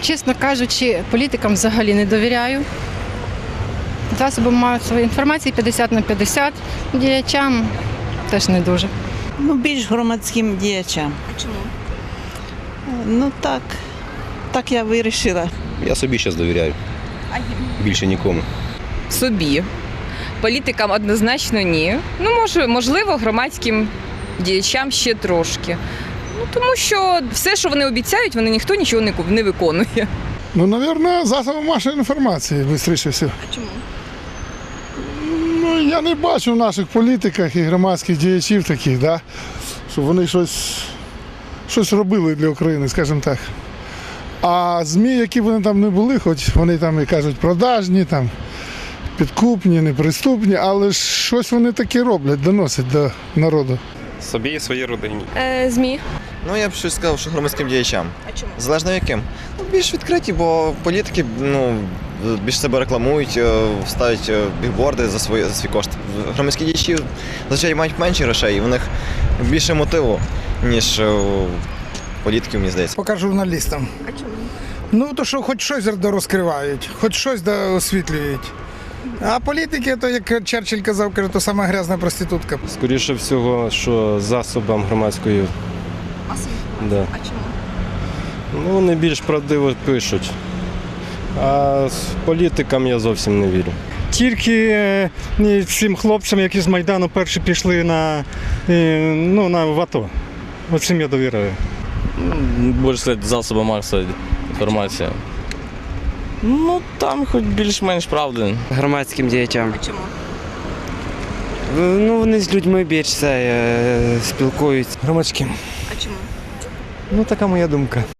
чесно кажучи, політикам взагалі не довіряю. Засобам масової інформації 50/50, діячам теж не дуже. Ну, більш громадським діячам. А чому? Ну так я вирішила. Я собі зараз довіряю. Більше нікому. Собі. Політикам однозначно ні. Ну, можливо, громадським діячам ще трошки. Ну, тому що все, що вони обіцяють, ніхто нічого не виконує. Ну, мабуть, засоби масової інформації, швидше всього. А чому? Ну, я не бачу в наших політиках і громадських діячів таких, да, щоб вони щось робили для України, скажімо так. А ЗМІ, які вони там не були, хоч вони там і кажуть продажні, там, підкупні, неприступні, але ж щось вони таке роблять, доносять до народу. Собі і своїй родині. ЗМІ. Ну, я б щось сказав, що громадським діячам. А чому? Залежно яким. Ну, більш відкриті, бо політики більш себе рекламують, ставлять бігборди за свій кошт. Громадські діячі, звичайно, мають менше грошей, і в них більше мотиву, ніж політиків, мені здається. Поки журналістам. А чому? Ну, то що хоч щось розкривають, хоч щось освітлюють. А політики, то як Черчилль казав, каже, то сама грязна проститутка. Скоріше всього, що засобам громадської. Да. А чому? Ну, вони більш правдиво пишуть. А з політикам я зовсім не вірю. Тільки цим хлопцям, які з Майдану перші пішли на в АТО. Оцим я довіряю. Більше засоби масової інформації. Ну, там хоч більш-менш правди. Громадським діячам. А чому? Ну, вони з людьми більше спілкуються. Громадським. А чому? Ну, така моя думка.